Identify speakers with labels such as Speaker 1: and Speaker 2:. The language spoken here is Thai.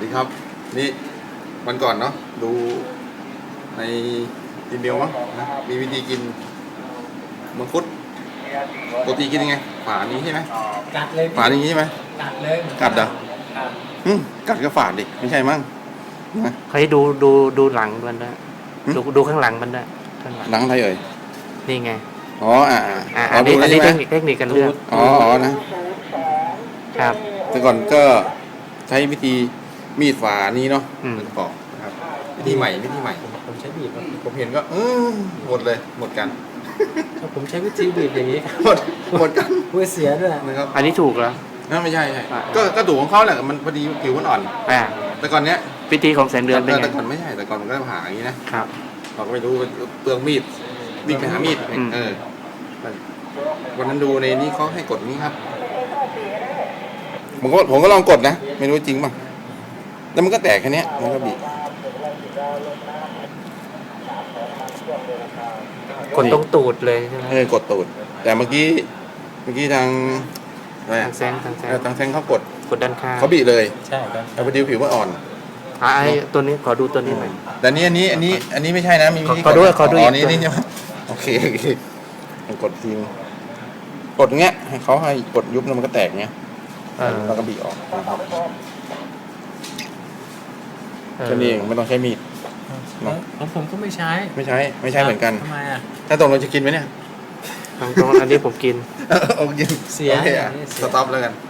Speaker 1: ครับนี่วันก่อนเนาะดูในอีเมลมั้งนะมีวิธีกินมังคุดปกติกินยังไงฝานี้ใช่ไหม
Speaker 2: กัดเลยพี่
Speaker 1: ฝาอย่างนี้ใช่ไหม
Speaker 2: กัดเลย
Speaker 1: กัดเหรอ
Speaker 2: กัด
Speaker 1: กัดก็ฝาดิไม่ใช่มั้งนะ
Speaker 3: ให้ดูหลังมันด้วยดูข้างหลังมันด้วยข้างหลัง
Speaker 1: หนังอะไรเอ่ย
Speaker 3: นี่ไง
Speaker 1: อ๋อ
Speaker 3: อันนี้
Speaker 1: ดู
Speaker 3: อัน
Speaker 1: ได้
Speaker 3: นี้
Speaker 1: ใช่ไหม
Speaker 3: เทคนิคการเลือก
Speaker 1: อ๋อนะครับ แต่ก่อนก็ใช้วิธีมีดฝานี้เนาะ มันปอกนะครับวิธีใหม่
Speaker 2: ผมใช้บีบครับ
Speaker 1: ผมเห็นก็หมดเลยหมดกัน
Speaker 2: ผมใช้วิธีบีบอย่างนี้ครับ
Speaker 1: หมดกัน
Speaker 2: เพื่อเสียด้วย
Speaker 1: นะครับ
Speaker 3: อันนี้ถูกแล้ว
Speaker 1: ไม่ใช่ก็ถูกของเขาแหละมันพอดีผิวมันอ่อน แต่ก่อนเนี้ย
Speaker 3: วิธีของแสนเดือนเป็นไง
Speaker 1: แต่ก่อนไม่ใช่แต่ก่อนมันก็ผ่าอย่างนี้นะครับ เราก็ไม่รู้เปลืองมีดวิ่งไปหามีดวันนั้นดูในนี้เขาให้กดนี้ครับผมก็ลองกดนะไม่รู้จริงป่ะแล้วมันก็แตกแค่นี้มันก็บีบ
Speaker 3: กดตรงตูดเลยใช่ไหม
Speaker 1: กดตูดแต่เมื่อกี้ทางอะไร
Speaker 3: ทางแซง
Speaker 1: ทางแซงเขากด
Speaker 3: ด้านข้าง
Speaker 1: เขาบีบเลย
Speaker 2: ใช่ครับ
Speaker 1: แต่พอดีผิวมันอ่อน
Speaker 3: ไอ้ตัวนี้ขอดูตัวนี้หน่อย
Speaker 1: แต่อันนี้ไม่ใช่นะมีวิธี
Speaker 3: ขอดูอีก
Speaker 1: นี่ใช่ไหมโอเคกดทีกดเงี้ยให้เขาให้กดยุบแล้วมันก็แตกเงี้ยแล้วก็บีบออกนะครับแค่นี้เองไม่ต้องใช้มีด
Speaker 2: ของผมก็ไม่ใช้
Speaker 1: ไม่ใช้เหมือนกัน
Speaker 2: ทำไมอ่ะ
Speaker 1: ถ้าตรงเราจะกินไหมเนี่ย
Speaker 3: ตรงอันนี้ผมกิน
Speaker 1: โอเค
Speaker 2: เสีย
Speaker 1: โอเค
Speaker 2: อย่างนี้เสีย
Speaker 1: สต็อปแล้วกัน